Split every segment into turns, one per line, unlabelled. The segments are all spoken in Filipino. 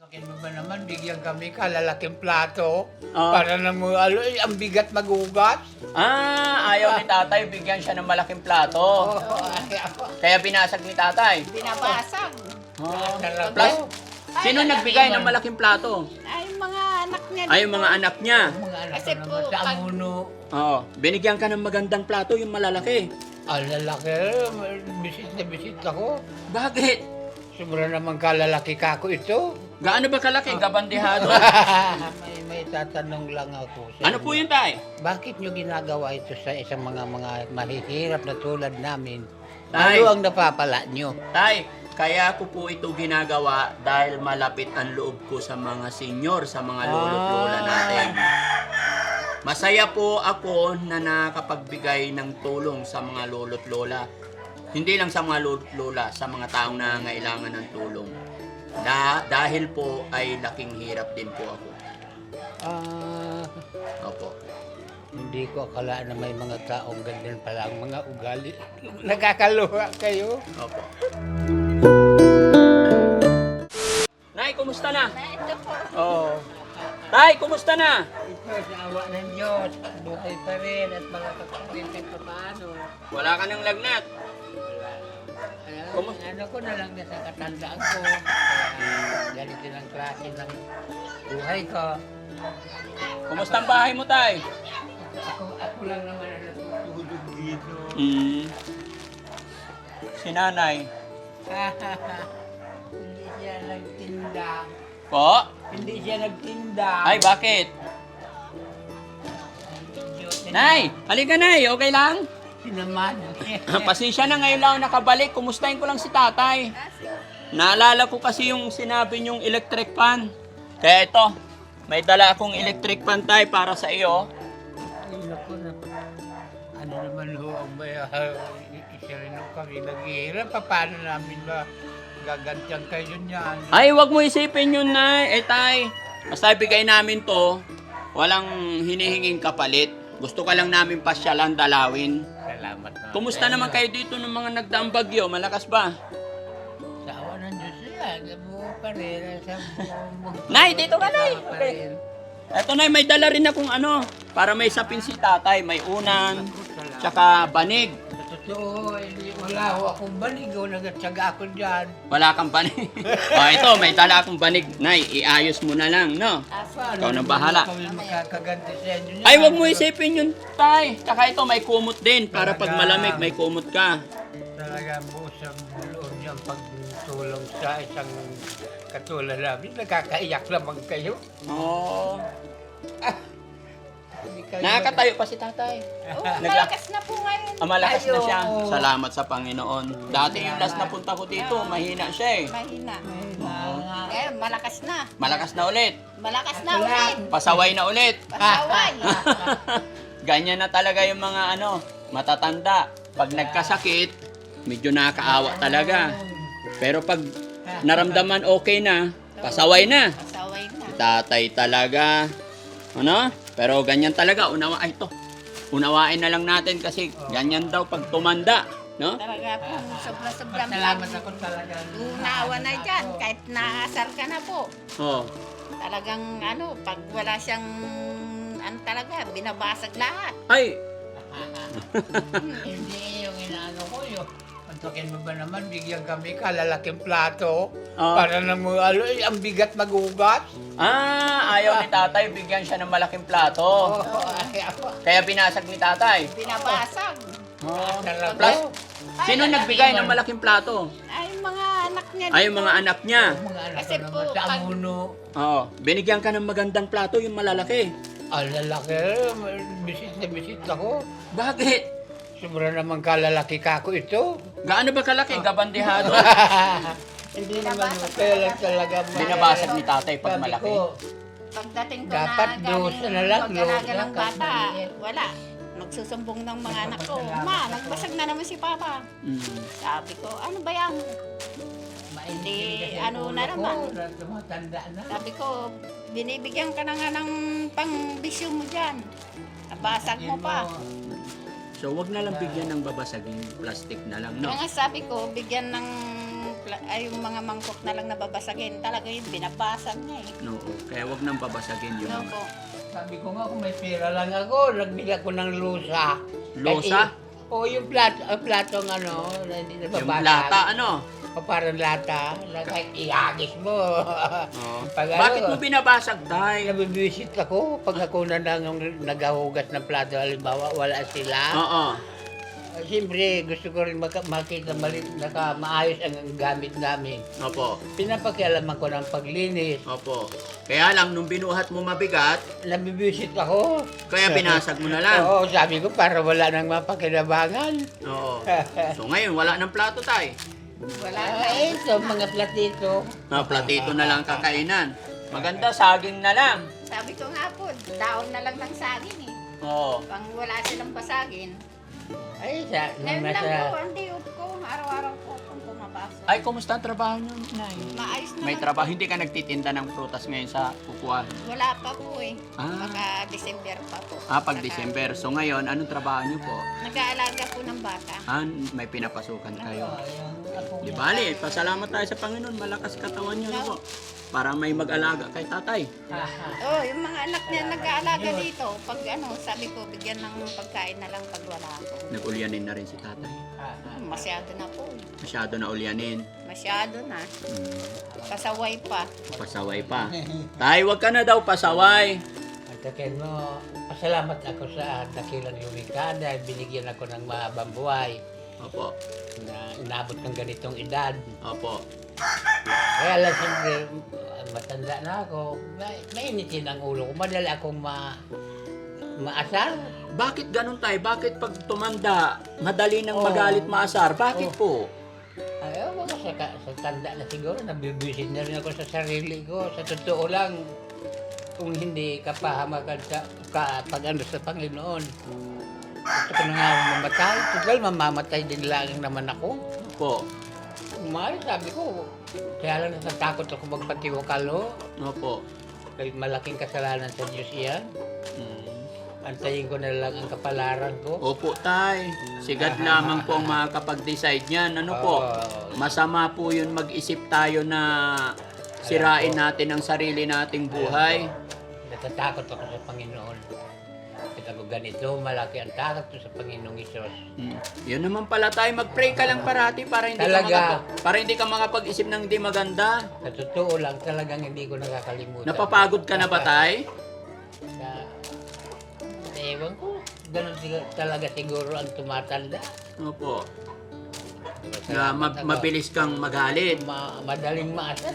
Bakit mo ba naman bigyan kami kalalaking plato?
Ah.
Para na mo, ang bigat magugas.
Ayaw ni tatay, bigyan siya ng malaking plato. Kaya binasag ni tatay.
Binabasag.
Talaga.
Plus, sino nagbigay ng malaking plato?
Ay, mga anak niya.
Ay, yung mga anak niya.
Mga anak
Kasi
ko
po,
naman sa
pag-
amuno.
Oo. Binigyan ka ng magandang plato, yung malalaki.
Ang lalaki, bisit na bisit ako.
Bakit?
Sobra naman kalalaki kako ito.
Gaano ba kalaki? Gabandihado.
may tatanong lang ako.
Ano po yun, tay?
Bakit nyo ginagawa ito sa isang mga mahihirap na tulad namin?
Tay.
Ano ang napapala nyo?
Tay, kaya ko po ito ginagawa dahil malapit ang loob ko sa mga senior, sa mga lolo't lola natin. Masaya po ako na nakapagbigay ng tulong sa mga lolo't lola. Hindi lang sa mga lolo't lola, sa mga taong nangangailangan ng tulong. Dahil po ay laking hirap din po ako. Opo.
Hindi ko akala na may mga taong ganyan pala ang mga ugali. Nakakaluha kayo.
Opo. Nay, kumusta na?
Na ito po.
Oo. Tay, kumusta na?
Ito, sa awa ng Diyos, buhay pa rin at mga kapatid pa paano.
Wala ka ng lagnat.
Ano ko na lang sa katandaan ko. Kaya ganito ng klase ng buhay ko.
Kumusta ang bahay mo, tay?
Ako lang naman ang natutulog dito.
Si nanay.
Hindi siya nagtinda.
Po?
Hindi siya nagtinda.
Ay, bakit? Nay, halika nay, okay lang?
Sinaman.
Pasensya na ngayon lang ako nakabalik. Kumustahin ko lang si tatay. Naalala ko kasi yung sinabi niyong electric fan. Kaya ito, may dala akong electric fan tay para sa iyo.
Ay, naku, ano naman ho ang may isa rin ho kami naghihirap. Paano namin ba gagantiyan kayo niyan?
Ay, wag mo isipin yun nay. Tay, basta ibigay namin to, walang hinihinging kapalit. Gusto ka lang namin pasyalan, dalawin.
Salamat naman.
Kumusta naman kayo dito ng mga nagdaang bagyo? Malakas ba?
Sa awa ng Diyos yan. Buo pa rin.
Nay, dito ka, Nay. Okay. Eto nay, may dala rin akong ano, para may sapin si tatay. May unan, tsaka banig.
Sa totoo, wala ho akong banig. Nagatsaga ako dyan.
Wala kang banig. Ito, may dala akong banig. Nay, iayos mo na lang, no? Ikaw na bahala.
Kami makakaganti sa inyo niyan.
Ay, wag mo isipin yun, tay. Tsaka ito, may kumot din. Para pag malamig, may kumot ka.
Talaga buo sa loob niyang pagtulong sa isang katulad namin. Nakakaiyak naman kayo.
Oo.
Hindi kayo
Nakakatayo pa si tatay.
Oh, malakas na po ngayon.
Malakas na siya.
Ayo.
Salamat sa Panginoon. Dati yung last na punta ko dito, mahina siya eh.
Mahina.
Mga
Ngayon, malakas na.
Malakas na ulit.
Malakas na ulit.
Pasaway na ulit.
Pasaway.
Ganyan na talaga yung mga ano, matatanda. Pag nagkasakit, medyo nakakaawa talaga. Pero pag naramdaman okay na, pasaway na.
Pasaway na.
Tatay talaga. Ano? Pero ganyan talaga, unawain na lang natin kasi ganyan daw pag tumanda. No?
Talaga po, sobra-sobrang
salamat ako talaga.
unawa na dyan. Kahit naasar ka na po.
Oh.
Talagang ano, pag wala siyang talaga, binabasag lahat.
Ay,
Hindi yung inaano ko yun. Antokin mo ba naman, bigyan kami kalalaking plato.
Ah.
Para na mo, ang bigat magugas.
ayaw ni tatay, bigyan siya ng malaking plato. Kaya binasag ni tatay.
Binabasag.
Plus, sino nagbigay ng malaking plato?
Ay, mga anak niya.
Ay, yung mga anak niya.
Mga anak
Kasi
ko
po,
naman sa
pag-
amuno.
Oo. Binigyan ka ng magandang plato, yung malalaki.
Ang lalaki, bisit na bisit ako.
Bakit?
Sobra naman kalalaki kako ito.
Gaano ba kalaki? Gabandihado.
Hindi naman kaya lang talaga.
Binabasag ni tatay pag
Sabi
malaki.
ko,
Pagdating ko
Dapat
na
dosa na lang,
mag-alaga
dosa,
ng bata,
kahit
wala. Magsusumbong ng mga anak ko, Ma, nagbasag na naman si Papa. Sabi ko, ano ba yan?
maintindihan kasi
ano
ulo
na
ko,
naman.
tumatanda na.
Sabi ko, binibigyan ka na nga ng pang-bisyo mo dyan. Nabasag mo pa.
So, wag na lang bigyan ng babasaging plastic na lang, no?
Kaya nga sabi ko, bigyan ng yung mga mangkok na lang nababasagin. Talaga yung binabasag niya eh.
No, kaya wag nang babasagin yung
No
mga...
po.
Sabi ko nga, kung may pera lang ako, nagbili ako ng lusa.
Lusa?
Oo, yung platong ano, na hindi
Yung
nababasag.
lata, ano?
O parang lata, na kahit iagis mo.
Oh.
Pag
Bakit
ano,
mo binabasag, Tay?
nabibisit ako pag ako na lang naghahugas ng plato, halimbawa wala sila.
Oo.
Siyempre, gusto ko rin makita maayos ang gamit namin.
Opo.
Pinapakialaman ko ng paglinis.
Opo. Kaya lang, nung binuhat mo mabigat,
Nabibisit ako.
kaya binasag mo na lang.
Oo, sabi ko para wala nang mapakinabangan.
Oo. So ngayon, wala ng plato, Tay.
Wala na.
Ito, mga platito.
Platito na lang kakainan. Maganda, saging na lang.
Sabi ko nga po, daon na lang ng saging eh.
Oo.
Pang wala silang basagin.
Ay,
Ngayon lang po, ang diop ko. Araw-araw po akong pumapasok.
Ay, kumusta ang trabaho niyo, Nay?
Maayos na
May
lang.
trabaho. Hindi ka nagtitinda ng prutas ngayon sa kukuha.
Wala pa po eh.
Ah.
Baka December pa po.
Pag December. So ngayon, anong trabaho niyo po?
Nag-aalaga po ng bata.
May pinapasukan kayo. Di bali, pasalamat tayo sa Panginoon. Malakas katawan niyo na po. Para may mag-alaga kay tatay.
Oh, yung mga anak niya nag-aalaga dito. Pag ano, sabi ko, bigyan ng pagkain na lang pag wala ako.
Nag-ulyanin na rin si tatay.
Masyado na po.
Masyado na ulyanin.
Masyado na. Pasaway pa.
Pasaway pa. Tay, wag ka na daw pasaway.
At akin mo, pasalamat ako sa dakilang lumikha dahil binigyan ako ng mahabang buhay
Opo.
na inabot ng ganitong edad.
Opo.
Kaya lang siyempre, matanda na ako, mainitin ang ulo ko. Madali akong maasar.
Bakit ganun tay? Bakit pag tumanda, madali nang
Oo.
magalit maasar? Bakit po?
Ayaw mo sa tanda na siguro, nabibisit na rin ako sa sarili ko. Sa totoo lang, kung hindi ka pahamakan pag ano sa Panginoon, gusto ko na nga mamatay. Total, mamamatay din lang naman ako.
Opo.
Umay, sabi ko, kaya lang natatakot ako magpatiwakalo.
Opo.
Dahil malaking kasalanan sa Diyos iyan.
Mm.
Antayin ko na lang ang kapalaran ko.
Opo tay. Sigad lamang po ang makakapag-decide niyan. Ano po? Masama po yun mag-isip tayo na sirain natin ang sarili nating buhay.
Natatakot ako sa Panginoon. Kita ko ganito, malaki ang takot ko sa Panginoong Isos.
Yun naman pala tayo, mag-pray ka lang parati para hindi
Talaga.
para hindi ka makapag-isip ng hindi maganda.
Sa totoo lang, talagang hindi ko nakakalimutan.
Napapagod ka na ba tay?
Ewan ko, ganun talaga siguro ang tumatanda.
Opo. Na mabilis kang magalit.
Madaling maasar.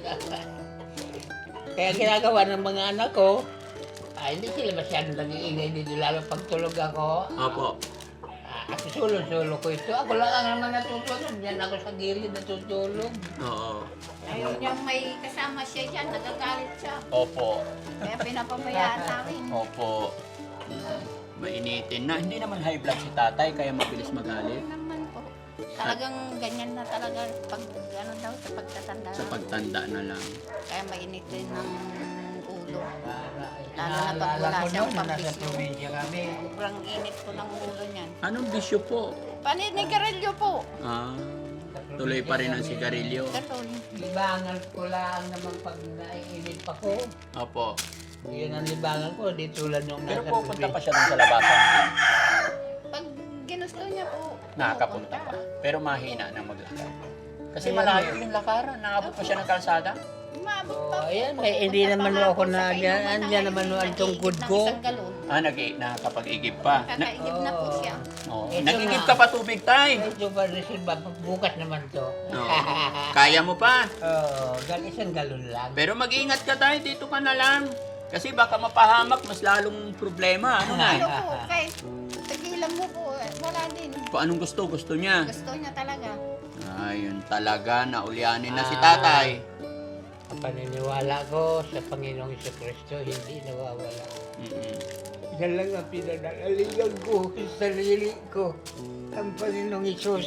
Kaya ginagawa ng mga anak ko, hindi sila masyadong nag-iingay dito, lalo pag tulog ako.
Opo.
At sulo-sulo ko ito. Ako lang ang naman natutulog. Diyan ako sa gilid natutulog.
Oo.
Ayaw niya may kasama siya dyan, nagagalit siya.
Opo.
Kaya pinapabayaan namin.
Opo. Mainitin na. Hindi naman high blood si tatay, kaya mabilis magalit.
Ano naman po. Talagang ganyan na talaga pag ano daw sa pagtatanda.
Sa pagtanda na lang.
Kaya mainitin ng ulo. Lalo na pag
Naalala
wala
ko
siyang
noon, nasa
pambisyo.
probinsya kami.
Sobrang init po ng ulo niyan.
Anong bisyo po?
Paninigarilyo po.
Tuloy pa rin ang sigarilyo.
Katol.
Libangan ko lang naman pag naiinit pa ko.
Opo.
Yun ang libangan ko, di tulad nung
Pero
nasa
pupunta pa
probinsya.
siya dun sa labasan.
Pag ginusto niya po,
Nakakapunta pa. Pero mahina na maglakad. Kasi
Ayan.
malayo yung lakaran. Nakabot pa siya ng kalsada.
Umabot pa
Oh,
po.
ayan, hindi
Pupunta
naman
pa nga
ako
po sa
na
kainuman
dyan,
na
andyan naman
ngayon,
ang tungkod
nag-iigib ng
ko.
isang galon.
Nakakapag-igib pa.
Kakaigib na po siya.
Oh.
Ito
Nag-igib
nga.
ka pa tubig, tay.
Ito ba, reserva, bukas naman to.
Oo. Kaya mo pa.
Isang galon lang.
Pero mag-ingat ka tayo, dito ka na lang. Kasi baka mapahamak, mas lalong problema. Ano na?
Ano po, kahit tigilan mo po, wala din.
Kung anong gusto niya.
Gusto niya talaga.
Ayun talaga, naulyanin na si tatay.
Ang paniniwala ko sa Panginoong Jesucristo, hindi nawawala.
Mm-mm.
Yan lang ang pinanalaligan ko sa sarili ko. Ang Panginoong Isus.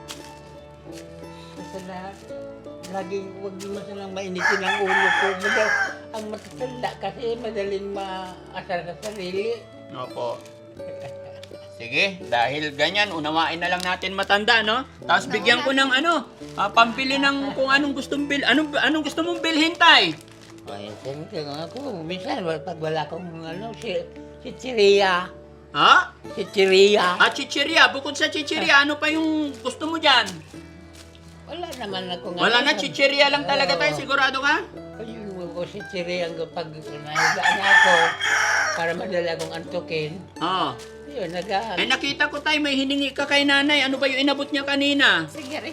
Basta lahat, laging huwag mo silang mainitin ang ulo ko. Ang matatanda kasi madaling maasar sa sarili.
Opo. Sige, dahil ganyan, unawain na lang natin matanda, no? Tapos bigyan ko ng pampili ng kung anong gustong anong gusto mong bilhin, tay?
Ay, siyempre ako, minsan pag wala akong si Chiria.
Ha?
Si Chiria.
Chichirya. Bukod sa chichirya, ano pa yung gusto mo dyan?
Wala naman ako
Wala na, chichirya lang talaga tayo. Sigurado ka?
Ayun ko si Chiria pag nahigaan ako para madala akong antukin.
Oo.
Yun,
Nakita ko tayo, may hiningi ka kay nanay. Ano ba yung inabot niya kanina?
Sige rin.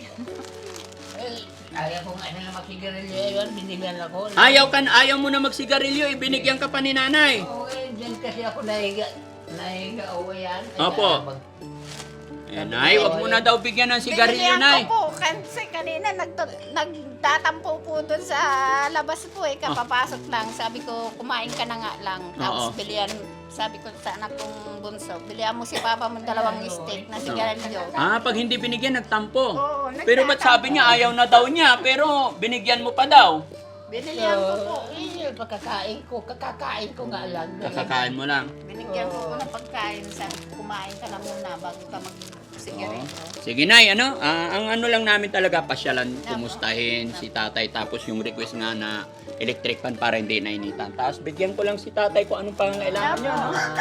Ayaw ko nga na magsigarilyo yun, binigyan ako.
Ayaw mo na magsigarilyo, ibinigyan ka pa ni nanay.
Oo, dyan kasi ako nahiga, o yan.
Opo. Nay, wag mo na daw bigyan ng sigarilyo, nay.
Binilihan ko po, kasi kanina nagtatampo po doon sa labas po kapapasok lang. Sabi ko, kumain ka na nga lang. Tapos bilihan, sabi ko sa anak kong bunso, bilihan mo si papa mo 2 steak na sigarilyo.
Pag hindi binigyan, nagtampo.
Oo,
Pero ba't sabi niya, ayaw na daw niya, pero binigyan mo pa daw?
Binilihan ko po.
Yun, kakakain ko nga lang.
Kakakain mo lang.
Binigyan ko ng pagkain. Sabi ko, kumain ka na muna bago ka mag-sigarilyo.
Sige, nay, ang ano lang namin talaga, pasyalan, kumustahin si tatay, tapos yung request nga na electric fan para hindi nainitan. Tapos bigyan ko lang si tatay kung anong pangangailangan niya.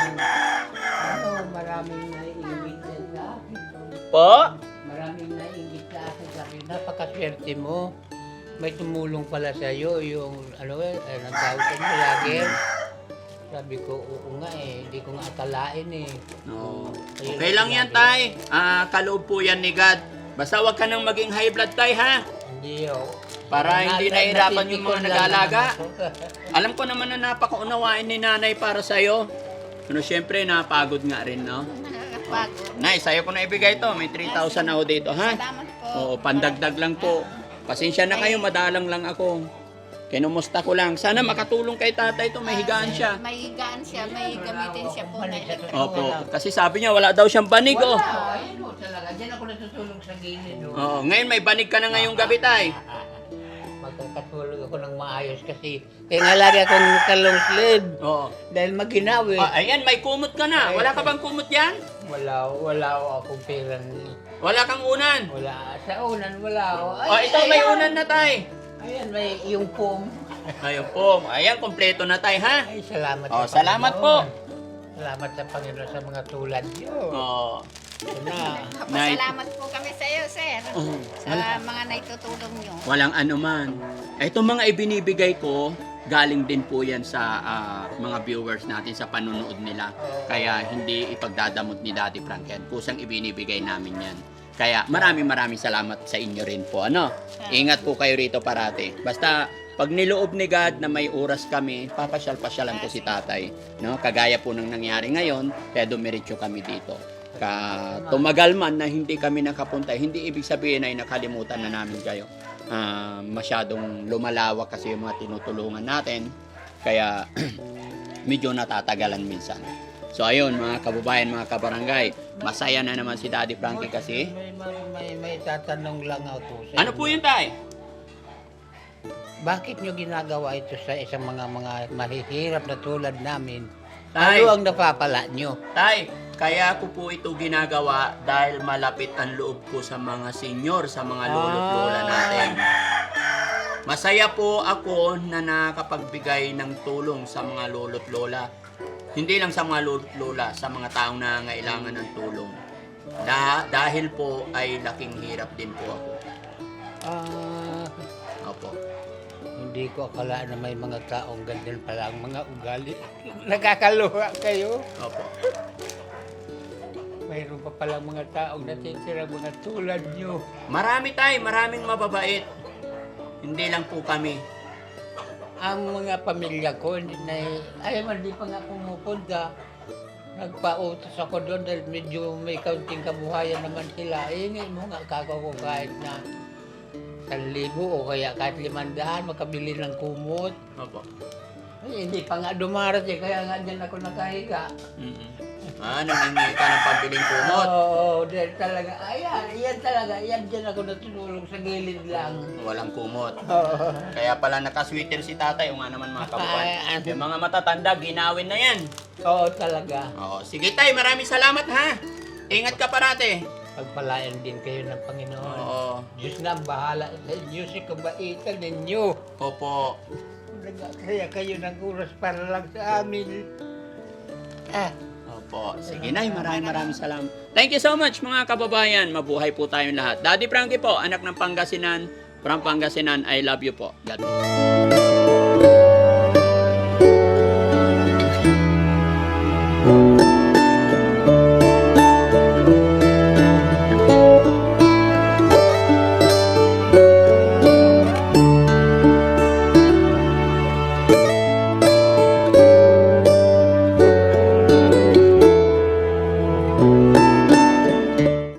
Maraming naiingit sa akin.
Po?
Maraming naiingit sa akin. Sabi, napakaswerte mo. May tumulong pala sa iyo yung nagtawag ka niyo lagi. Sabi ko, oo nga hindi ko nga akalain
No. Okay lang yan, tay. Kaloob po yan ni God. Basta wag ka nang maging high blood, tay, ha?
Hindi
Para hindi nahirapan yung mga nag-aalaga. Alam ko naman na napakaunawain ni nanay para sa'yo. Siyempre, napagod nga rin, no?
Nakakapagod.
Nay, sa'yo ko na ibigay to. May 3,000 ako dito, ha?
Salamat po.
Oo, pandagdag lang po. Pasensya na kayo, madalang lang ako. Kinumusta ko lang. Sana makatulong kay tatay to, may higaan siya.
May higaan siya, may gamitin siya po.
Opo, kasi sabi niya wala daw siyang banig, oh.
Ayun talaga. Diyan ako natutulog sa gilid.
Oo, ngayon may banig ka na ngayong gabi, tay.
Magkakatulog ako ng maayos kasi kaya nga lagi akong kalong sleeve.
Oo.
Dahil maginawi.
Ayan, may kumot ka na. Wala ka bang kumot yan?
Wala akong pera.
Wala kang unan.
Wala. Sa unan, wala ako.
Ito may unan na, tay.
Ayan, may yung pom.
Ayun po. Ayan, kompleto na, tay, ha?
Ay, salamat
Salamat
Panginoon.
po.
Salamat sa Panginoon sa mga tulad niyo.
Oo.
Salamat po kami sa iyo, sir. Sa mga naitutulong nyo.
Walang anuman. Itong mga ibinibigay ko, galing din po yan sa mga viewers natin sa panonood nila. Kaya hindi ipagdadamot ni Daddy Frank yan. Kusang ibinibigay namin yan. Kaya maraming salamat sa inyo rin po. Ingat po kayo rito parati. Basta pag niloob ni God na may oras kami, papasyal-pasyalan ko si tatay. No? Kagaya po ng nangyari ngayon, kaya dumiretso kami dito. Tumagal man na hindi kami nakapunta, hindi ibig sabihin ay nakalimutan na namin kayo. Masyadong lumalawak kasi yung mga tinutulungan natin. Kaya medyo natatagalan minsan. So ayun mga kababayan, mga kabarangay, masaya na naman si Daddy Frankie kasi.
May tatanong lang ako sa
Ano po yun, tay?
Bakit nyo ginagawa ito sa isang mga mahihirap na tulad namin?
Tay.
Ano ang napapala nyo?
Tay, kaya ko po ito ginagawa dahil malapit ang loob ko sa mga senior, sa mga lolo't lola natin. Masaya po ako na nakapagbigay ng tulong sa mga lolo't lola. Hindi lang sa mga lolo't lola, sa mga taong nangangailangan ng tulong. Dahil po ay laking hirap din po ako. Opo.
Hindi ko akala na may mga taong ganyan pala ang mga ugali. Nakakaluha kayo.
Opo.
Mayroon pa palang mga taong natitira mga tulad nyo.
Marami tayo, maraming mababait. Hindi lang po kami.
Ang mga pamilya ko, hindi pa nga pumupunta. Nagpautos ako doon dahil medyo may kaunting kabuhayan naman sila. Ingin mo nga kako kahit na 1,000 o kaya kahit 500, makabili ng kumot.
Opo.
Ay, hindi pa nga dumarating, kaya nga dyan ako nakahiga.
Nangingi ka ng pambiling kumot.
Oo, dahil talaga, yan dyan ako natutulog sa gilid lang.
Walang kumot.
Oo.
Kaya pala nakasweater si tatay. O nga naman mga kababayan.
Ay,
Yung mga matatanda, ginawin na yan.
Oo, talaga.
Oo. Sige tay, maraming salamat ha. Ingat ka parate.
Pagpalain din kayo ng Panginoon.
Oo.
Diyos na ang bahala sa inyo, si kabaitan ninyo.
Opo.
Kaya kayo ng oras para lang sa amin.
Opo. Sige nay, maraming salamat. Thank you so much mga kababayan. Mabuhay po tayong lahat. Daddy Frankie po, anak ng Pangasinan. From Pangasinan, I love you po. God bless.